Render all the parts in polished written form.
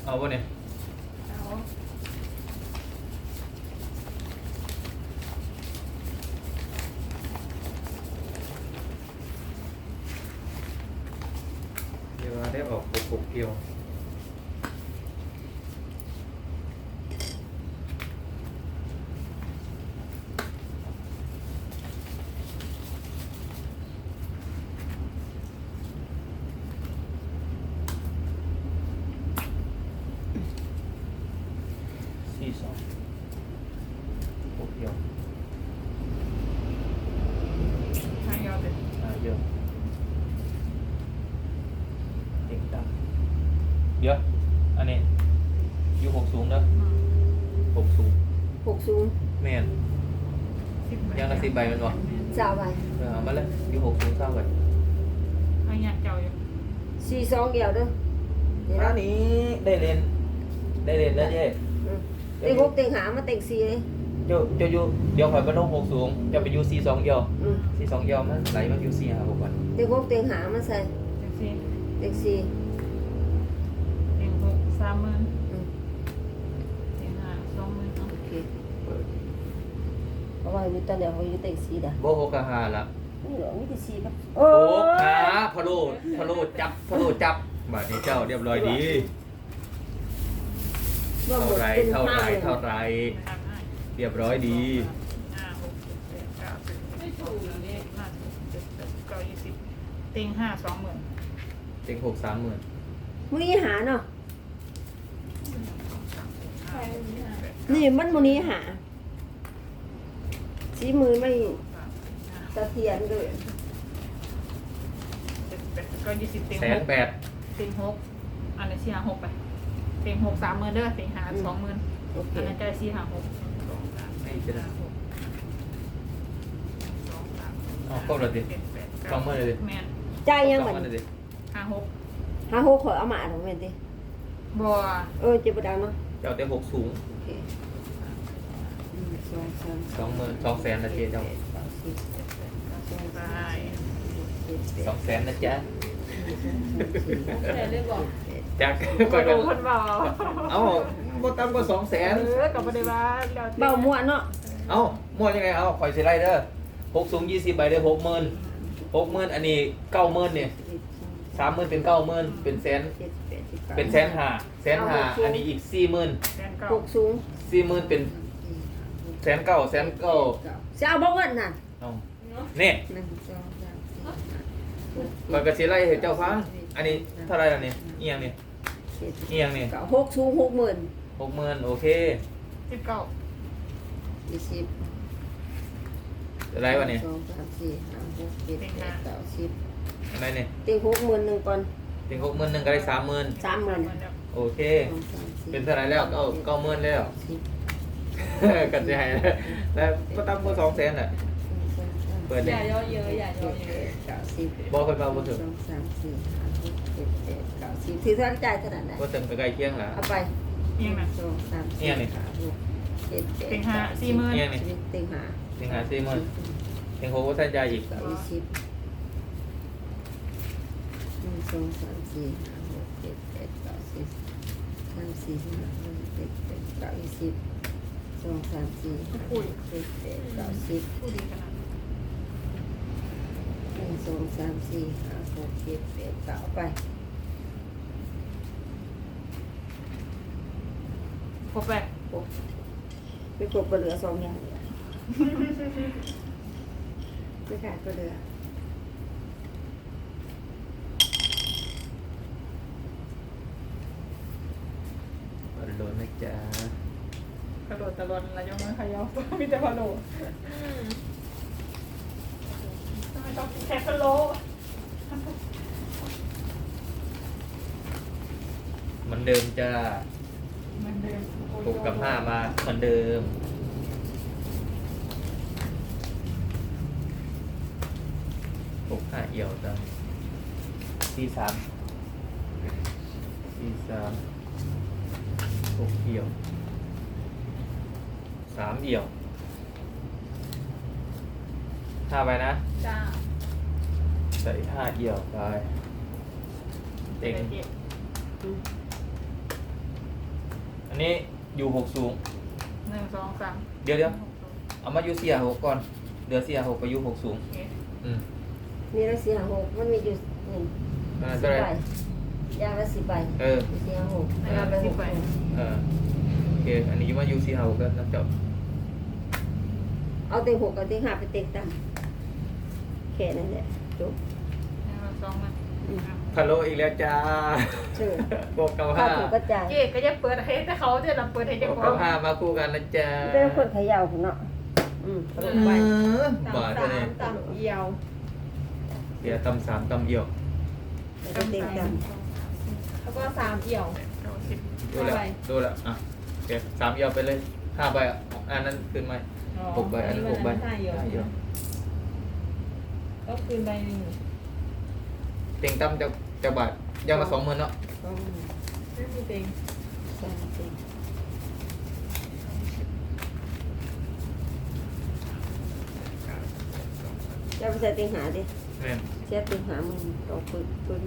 เอาปะเนี่ยเอาเดี๋ยวได้ออกปุกเกี่ยว42ปุกเกี่ยวทางยาวเลยเยอะเด็กดังเดี๋ยวอันนี้อยู่หกสูงเด้อหกสูง 60 แม่น ยังละ10ใบมันบ่สาวไปเอามาเลยอยู่หกสูงเศร้าไปทางยาวเจ้าอยู่ 42เดียวเด้อนี่อันะนนี้ได้เรียนแล้วเจ้เต็ง6เต็งหามาเต็ง4เลยเจ้าอยู่เดี๋ยวข่อยไปลงหกสูงจะไปอยู่42เดียวอืม 42เดียวมันไหลมาอยู่4 5 6ก่อนเต็ง6เต็งหามาใส่เต็งสี่เต็ง4 เต็งหก30,000 อืมเต็งห้า20,000เอาโอเคเพราะว่ามีตอนเดียวเขาอยู่เต็ง4ด่ะบ่หกกับ5ละนี่เหรอมีแต่4ครับโอ้ขาพะโลจับบาดนี้เจ้าเรียบร้อยดีรวมหมดเท่าไรไม่ทำให้เรียบร้อยดี 5 6 7 8 9 10ไม่ถูกแล้วเนี่ย5 6 7 8 9 20เต็งห้า20,000 เต็ง6 30,000 มื้อนี้หาเนาะนี่มันมื้อนี้หาสีมือไม่สะเทียนเลยก็20เต็งแสหนกแปดเต็งหกอันนี้สี่หาหกไปเต็งหก30,000เด้อเต็งหา20,000 โอเคอันนั้นจะสี่หาหกสองสามไม่จะได้หกสองสามอ๋อครบแล้วดิเจ็ดแปดสองหมื่นเลยดิแม่นจ่ายยังสบัอดงพันนี้เลยดิห้าหกหาโหขอเอามาถูกแม่นติบัวเจ็บบ่ดังเนาะเจ้าเต็ง6สูงโอเค1 2 3 2 แสนนะเจ๊เจ้าไป 2 แสนนะจ๊ะแต่เลยบอกจากก็ก่อนดูกันคนเบาเอ้าบ่ต่ำกว่า2 แสนกับประเดี๋ยวว่าเบาม่วนเนาะเอ้าหมดยังไงข่อยสิไล่เด้อ6สูง20ใบได้60,000อันนี้90,000นี่30,000เป็น90,000เป็นแสนเป็นแสนห้าอันนี้อีก40,000 แสนเก้า 6สูง 40,000เป็นแสนเก้าจะเอาบ่เงินน่ะเอานี่ 1 2 3 ข่อยก็สิไล่ให้เจ้าฟังอันนี้เท่าไหร่ล่ะนี่เอียงนี่เอียงนี่ 4 6สูง 60,000 60,000โอเค 19 20 อะไรวะนี่ 2 3 4 5 6 7 8 9 10 อะไรนี่เต็ง60,000นึงก่อนถึง60,000นึงก็ได้30,000 30,000 โอเค 2 3 4 เป็นเท่าไหร่แล้ว90,000แล้ว 10 กันสิให้แล้วก็ต่ำกว่า2 แสนน่ะเปิดอนี่ย่าย่อเยอะอย่าย่อเยอะ 90 บ่ค่อยเบาบ่ถึง 2 3 4 5 6 7 8 9 10ถือเท่าจ่ายเท่านั้นแหละบ่ถึงไปใกล้เคียงล่ะเอาไปเอียงนะ 2 3 เอียงนี่ 4 5 6 7 เต็ง 8 ห้า 9 40,000 เอียงนี่ 10เต็งหาถึงหา40,000ถึง6บ่ทันจ่ายอีก 20 1 2 3 4 5 6 7 8 9 10 3 4 5 6 7 8 9 20 2 3 4 5 6 7 8 9 10 ผู้ดีขนาด 1 2 3 4 5 6 7 8 9ไปครบไปไม่กบก็เหลือ2อย่างไม่ขาดก็เหลือบอลลูนนะจ๊ะกระโดดตะลอนระยองมือขยับมีแต่พะโล้ทำไมต้องกินแค่พะโล้เหมือนเดิมจ้าเหมือนเดิม 6กับ5มาเหมือนเดิม6 5เอี่ยวจ้ะ43 6เอี่ยว3เอี่ยว5ไปนะจ้าใส่5เอี่ยวไปเต็งเก็บนนี้อยู่หกสูงหนึ่งสองสามเดี๋ยวเอามาอยู่สี่หกก่อนเดือสี่หกไปอยู่หกสูงโอเคอืมนี่ละสี่หกมันมีอยู่หนึ่งนั่นสิเท่าบไหรใบยางละ10 ใบเออสี่หกเอาไป6 ใบโอเคอันนี้อยู่มาอยู่สี่หกก็น้ำเจ้าเอาเต็ง6เอาเต็ง5ไปเต็งต่ำแค่นั้นแหละจบหนึ่งสองมันพะโลอีกแล้วจ้าเชื่อบอกเก้าถ้าห้าถูกกระจายเจ๊ก็จะเปิดให้แต่เขาจะนำเปิดให้บเจ้าอกขอเก้าง ห้ามาคู่กันนะจ๊ะเป็นคนเขย่าของเนาะเอาลงไปบาทเลยต่ำเอียวเดี๋ยวตำสามตำเอี่ยวแล้วก็เต็งต่แล้วก็3เอียวเก้าสิบดูแล้วดูแล้วอ่ะโอเคสามเอี่ยวไปเลย5 ใบอ่ะอันนั้นคืนไหม6 ใบอันนั้น6 ใบ 5เอียว 5 เอี่ยวก็คืนใบหนึ่งเต็งตำจะบาทยังมา20,000เนาะำสองไม่มีเต็งสามสี่จะไปใส่เต็งหาดิแม่นเสียเต็งหามึงต้องปืนส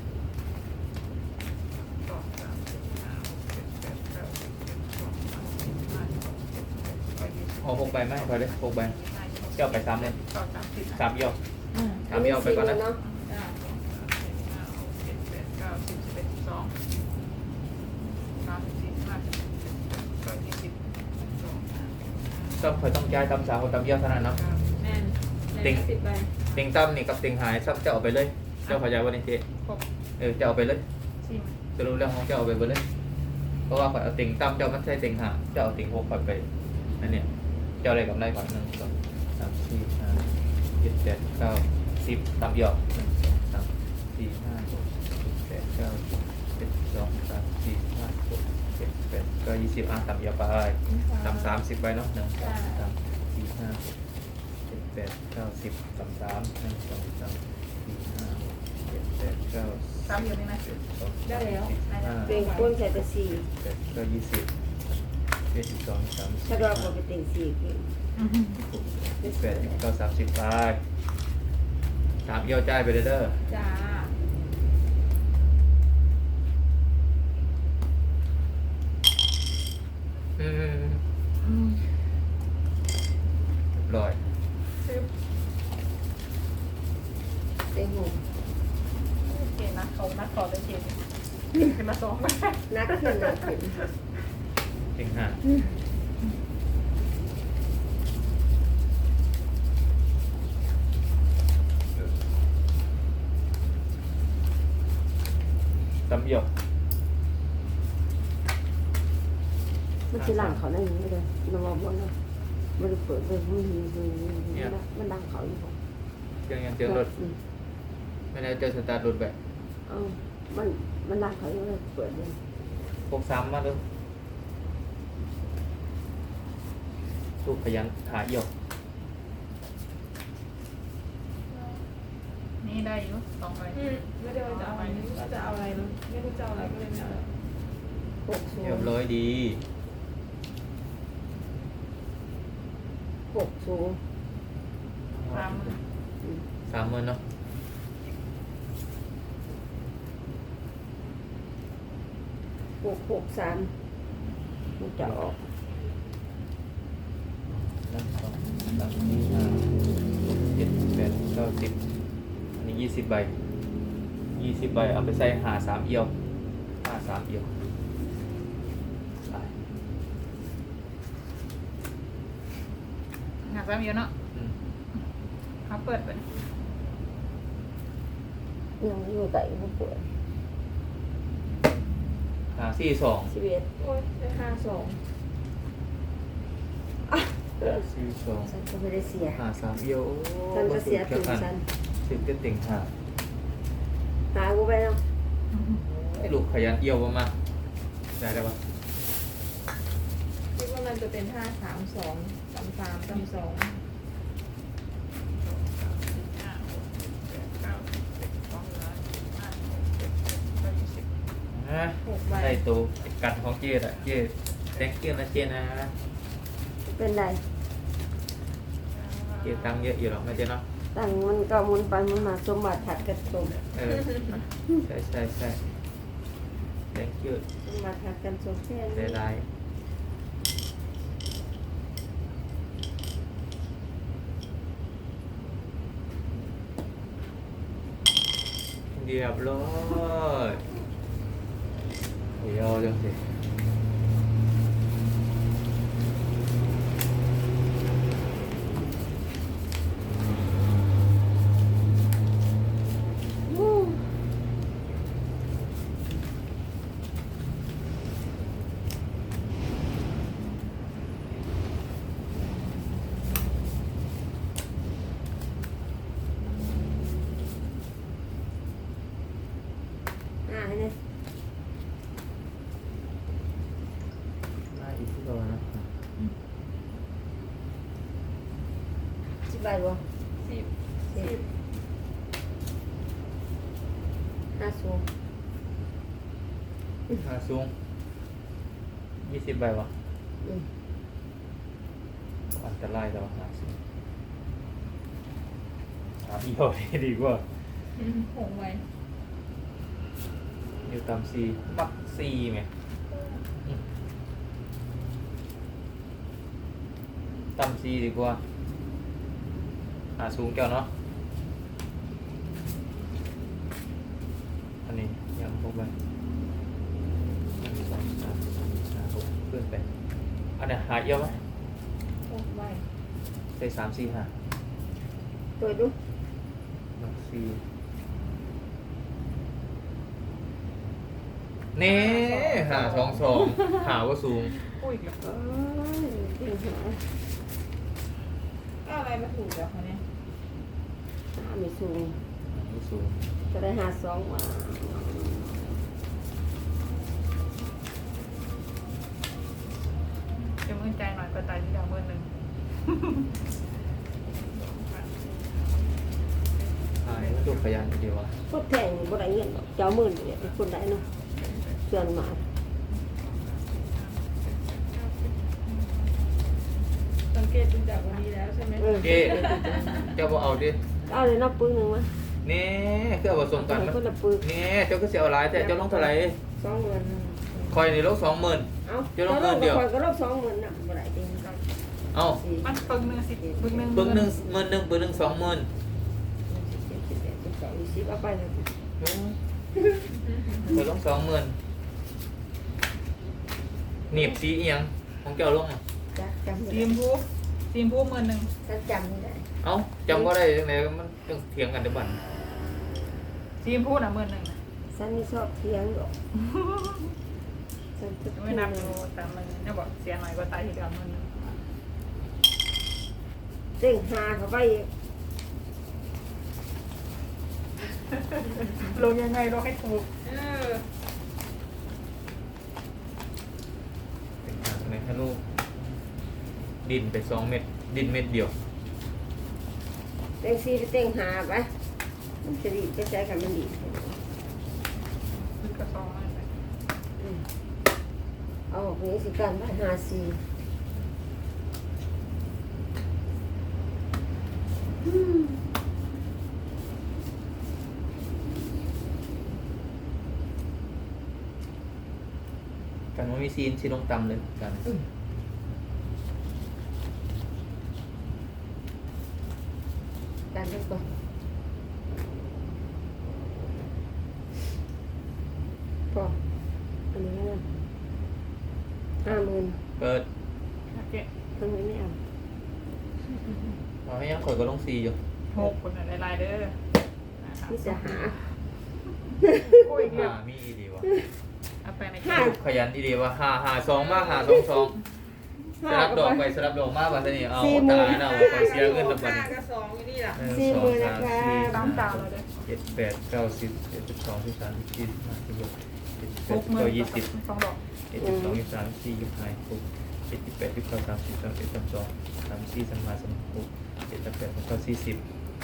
องสามสี่ห้าหกเจ็ดแปดเก้าสิบเอ็ดสองสามสี่ห้าหกเจ็ดแปดเก้ายี่สิบเอา6 ใบไหมพอเลย6 ใบเจ้าไป3เลยสองสามสี่สามเอี่ยวอืมสามเอี่ยวไปก่อนนะเนาะจ้าห้าหกเจ็ดแปดเก้าสิบสิบเอ็ดสิบสองสามสิบสี่ห้าสิบหกสิบเจ็ดแปดเก้ายี่สิบสองสามก็คอยต้องจ่ายตำสามกับตำเอี่ยวเท่านั้นเนาะเก้าแม่นเต็ง 10 ใบเต็งตำนี่กับเต็งหายซับจะเอาไปเลย เจ้าพยายวันนี้เจ๊หกจะเอาไปเลยสี่จะรู้เรื่องของเจ้าเอาไปเลย เพราะว่าข่อยเอาเต็งตำเจ้ามันใช่เต็งหาเจ้าเอาเต็ง6ข่อยไปนั่นเนี่ยเจ้าอะไรกับไรก่อน1 2 3 4 5 7 8 9 10ตำเอี่ยว1 2 3 4 5 6 7 8 9 10 1 2 3 4 5 6 7 8 9 20ตำเอี่ยวไปตำ30ไปเนาะ1 2 3 4 5 6 7 8 9 10ตำ3 1 2 3 4 5 6 7 8 9 สามอยู่นี่นะได้แล้วเต็งก้นใส่แต่สี่ 10ก็20 12 3 ถ้าเราบอกไปเต็งสี่คือ 8 9 30ไปสามเอี่ยวจ่ายไปเด้อจ้าอืมเรียบร้อยซื้อเต็งหกเกณฑ์นะเขานัดขอได้เกณฑ์ขึ้นมาสองนักขึ้นนักขึ้นเต็งห้าตำเอี่ยวมันคือหลังเขาได้ยังไงเลยมันบอกว่ามันเปิดเลยมันดังเขาอยู่บอกยังเจอรถไม่ได้เจอสตาร์ทรถแบบมันดังเขาอยู่เลยเปิดเลย 63มาดูลูกขยันหาเอี่ยวนี่ได้อยู่สองใบไม่ได้ว่าจะเอาอะไรไม่รู้ว่าจะเอาอะไรเลยไม่รู้จะเอาอะไรก็เลยไม่เอา 60 เรียบร้อยดี 60 สาม 30,000เนาะ 663มันจะออก 1 2 3 4 5 6 7 8 9 10อันนี้20 ใบ20 ใบเอาไปใส่หา3เอี่ยวหา3เอี่ยวไปหาสามอยู่เนาะอืมเขาเปิดไปยังอยู่ไต่มันเปิดหา42 11 โอ้ยได้52 ฉันก็ไม่ได้เสียหา3เอี่ยวโอ้ฉันก็เสียถึงฉันถึงจะติ่งหาหากูไปเนาะไอ้ลูกขยันเอี่ยวมาได้ปะคิดว่ามันจะเป็น5 3 2 3 3 3 2 ห้าหกเจ็ดแปดเก้าสิบสิบเอ็ดสิบสองสิบสามสิบสี่สิบห้าสิบหกสิบเจ็ดสิบแปดเก้ายี่สิบฮะ 6 ใบได้ตัวกันของเจ๊อะเจ๊ thank you นะเจ๊นะเป็นไรเจ๊ตังค์เยอะอยู่หรอกนะเจ๊เนาะตั้งมันก็มุนไปมุนมาสมบัติถัดกระสมใช่ thank you มาทักกันโซเชียลได้ได้เรียบร้อยเดี๋ยวจังสิเนี่ยน่าอีกที่ก่อนนะสิบใบบ่ 10 10 5สูงหาสูง20 ใบวะอันตรายแต่ว่าหาสูงหาพี่เขาดีกว่าหงไว้อยู่ตามซีมักซีไหมตามซีดีกว่าหาสูงแก้วเนาะอันนี้ยังพกไป1 2 3 4 5 6เพื่อนไปอันนี้หาเยอะไหมหงไว้ใส่3 4 5 เปิดดูมักซีเน่หา2 2หาว่าสูงอุ้ยเดี๋ยวเอ้ยเก่งหาก็อะไรมาถูกแล้วคะเนี่ยไม่สูงหาว่าสูงจะได้หา2มาเดี๋ยวมึงใจหน่อยก็ตายที่ดาว1,000 หายว่าดูขยันดีวะพวกแข่งบ่ได้เงินเจ้าหมื่นเนี่ยเป็นคนได้เนาะเสื่อนมาสังเกตดูจากวันนี้แล้วใช่ไหมเจ๊เจ้าบ่เอาดิเอาเลยนับปึ้งหนึ่งมานี่คือเอาผสมกันคนละปึ้งนี่เจ้าก็เสียเอาหลายแต่เจ้าลงเท่าไหร่ 20,000 คอยนี่ลง20,000 เอาเจ้าลงเงินเดียวคอยก็ลบ20,000น่ะบ่ได้จริงเอามันปึงหนึ่งสิปึงหนึ่งปึ้งหนึ่งหมื่นหนึ่งปึ้งหนึ่ง20,000 20เอาไปเลยคอยลง20,000หนีบสีอีหยังของเจ้าลงอ่ะจักจำซีมพู10,000 จักจำไม่ได้เอ้าจำบ่ได้จังไดมันต้องเถียงกันเดี๋ยวบัดซีมพูน่ะ10,000 ฉันไม่ชอบเถียงหรอกฉันจะไม่นับดูแต่มันเนี่ยบอกเสียหน่อยก็ตายที่ดาว10,000 เด้งหาเข้าไปอีกลงยังไงลงให้ถูกเป็นทางในให้ลูกดินไป2 เม็ดดินเม็ดเดียวเด้งซีไปเด้งหาไปมันจะดีจะใจกันมันดีมันก็2มันไปเอาออกนี้สิกันไปหาซีกันว่ามีซีนสิลงต่ำเลยกันกันเล็กก่อนพออันนี้นะ50,000 เปิดโอเคทำไมไม่เอาเอาให้ยังข่อยก็ลงซีอยู่ 6คนหลายๆเด้อนี่จะหาโอ้ยเงียบมีอีดีวะเอาไปในห้าลูกขยันอีดีวะหา2มากหา2 2สลับดอกไปสลับดอกมากบัดนี้เอาตายแล้วข่อยเสียเงินแล้วบัดนี้ 5กับ2อยู่นี่ล่ะ 40,000นะคะตามดาวเลยเด้อ 7 8 9 10 11 12 13 14 15 16 17 60,000 18 19 20 2ดอก 12 23 24 25 26 27 28 29 30 31 32 34 35 36 37 38 39 40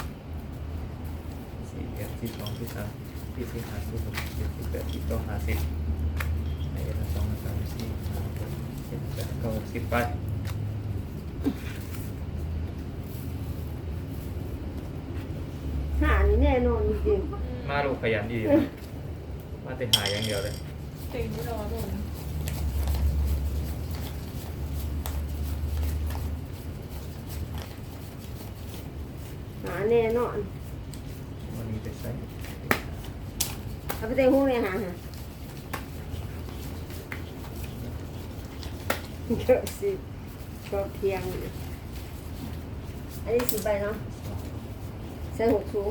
41 42 43 44 45 46 47 48 49 50ในเดือน2 3 4 5 6 7 8 9 60ไปหานี่แน่นอนจริงมาลูกขยันดีมาแต่หาอย่างเดียวเลยๆต็งไม่รอตรงหาแน่นอนวันนี้ไปใส่เอาไปเต็งหูเลยหาฮะเยอะสิก็เพียงอันนี้10ใบเนาะใส่6สูง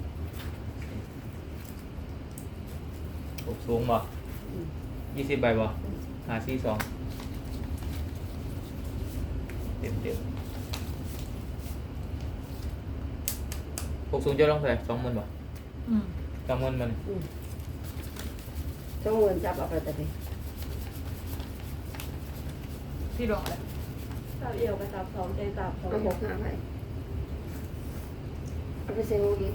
สูงบ่20 ใบบ่542เต็ม60จะลงเท่าไหร่20,000บ่อืม 20,000มันต้องเงินจับเอาไปแต่ไปที่ดอกอะไรตับเอี่ยวกับตับสองใจตับสองเอา6 5ไปเอาไปใส่หูอีก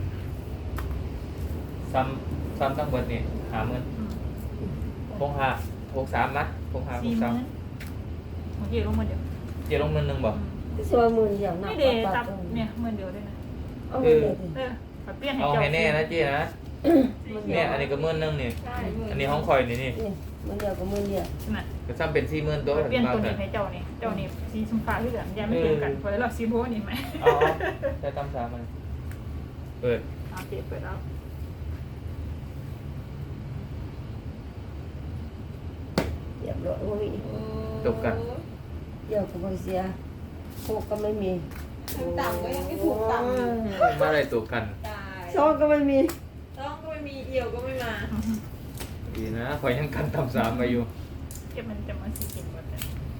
ซ้ำทั้งเบิดนี่50,000 อืม 65 63นะ65 40,000 63 โอเคลงมาเดี๋ยวเจะลงเงินหนึงบ่สวยหมื่นเดียวนับไม่เดตับเนี่ยเมื่อเดียวได้นะเอาเงินเดียวสิขอเปลี่ยนให้เอาเจ้าให้แน่นะเจ๊นะเนี่ยอันนี้ก็10,000นึงนี่ใช่อันนี้ห้องคอยนี่นี่หมื่นเดียวกับหมื่นเดียวน่ะก็ซ้ำเป็น40,000ตัวขอเปลี่ยนตัวกันี้ให้เจ้านี่เจ้านี่สีชมพูที่เหลือยังไม่เปลี่ยนกันพอแล้วเราซีโบนี่ไหมเอาได้ตามสามมันเปิดเอาเจ็บเปิดแล้วเรียบร้อยโอ้ยจบกันเดี๋ยวกับบริเซียหกก็ไม่มีทั้งต่ำก็ยังไม่ถูกต่ำอยู่มาอะไรตัวกันตายสองก็ไม่มีต้องก็ไม่มีเอี่ยวก็ไม่มาดีนะคอยยังกันตามสามไปอยู่เก็บมันจะมาสีกินหมดเลย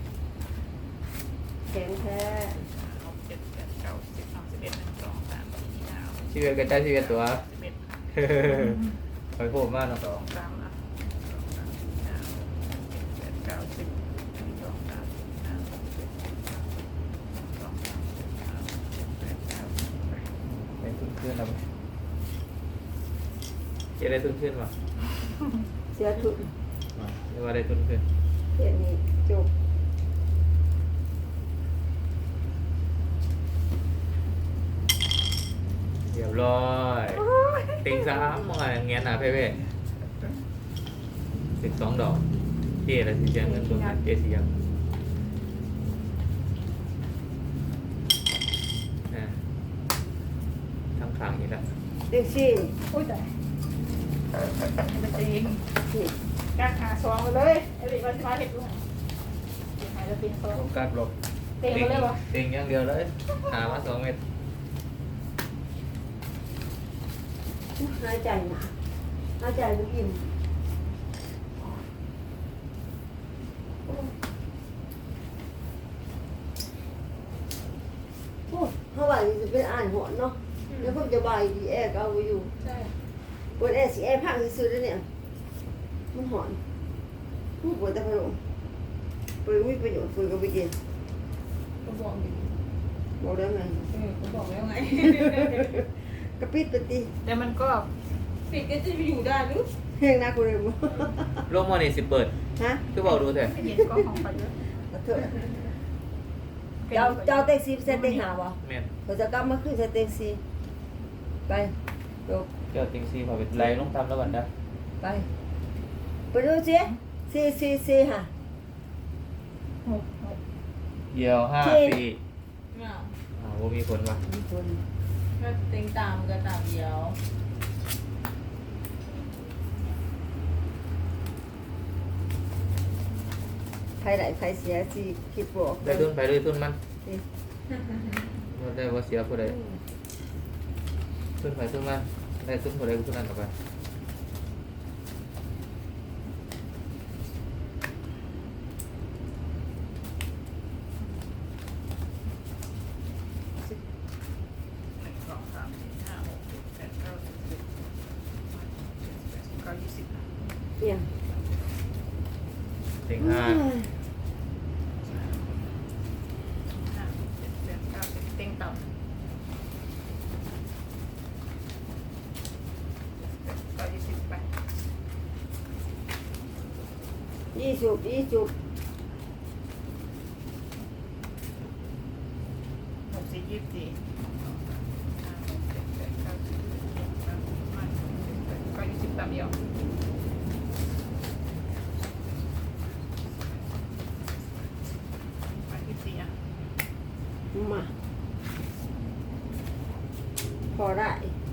แข็งแท้ 6 7 8 9 10 11 12 13 14 ชีวิตกระจายชีวิตตัว 11 คอยโหดมากเนาะ 2 3อ่ะ2 3 4 5 6 7 8 9 10 12 13 ได้ทุนขึ้นแล้วเจ๊ได้ทุนขึ้นป่ะเสียทุนเรียกว่าได้ทุนขึ้นเดี๋ยวนี้จบเรียบร้อยติงสามมองอะไรเงี้ยหนาเพ่เพ่12 ดอกเจ๊อะไรที่เสียเงินตัวนั้นเจ๊เสียงทั้งขางอีกแล้วเด็กสี่อุ้ยแต่มันจะยิงนี่กางขาซองไปเลยไอ้เด็กมันจะมาเห็ดด้วยหายแล้วเป็นซองลงการบลบเต็มไปเลยวะติงอย่างเดียวเลยหามา2 เม็ดหายใจหนาหายใจไม่อิ่มโอ้เท่าไหร่จะเป็นอ่านหอนเนาะแล้วพวกจะบายดีแอร์ก็เอาไว้อยู่ใช่ปวดแอร์สิแอร์พังซื้อๆแล้วเนี่ยมันหอนปวดแต่พัดลมปวดไม่ประโยชน์ปวดก็ไปกินก็บอกอยู่บอกแล้วไงก็บอกแล้วไงกระปิดปฏิแต่มันก็ปิดก็จะไปอยู่ได้หรือเฮงนะกูเลยมั้งโลกมอนี่สิเปิดฮะคือบอกดูเถอะไม่เห็นก็ของไปเยอะขอโทษเจ้าเต็กซี่เซตเต็กหาบ่แม่นเขาจะกลับมาขึ้นเซตเต็กซี่ไปจบเจ้าติงซีพอไปไล่ลงทำแล้วบันได้ไปไปดูสิซีค่ะหกเยี่ยว5 4 ไม่เอาว่ามีผลวะมีคนก็เต็งตามก็ตามเดียวใครได้ใครเสียสิคิดบอกได้ทุนไปเลยทุนมันนี่บ่ได้ว่าเสียผู้ใดทุนไปทุนมันได้ทุนผู้ใดก็ทุนนั้นออกไป 1 2 3 4 5 6 7 8 9 10 11 12 13 14 15 16 เนี่ยติง 5 6 7 8 9 10เต็งต่ำก็20ไป 20 64 24 5 6 7 8 9 10 11 12 13 14 15 16 17 18 19 20ต่ำเดียวพอได้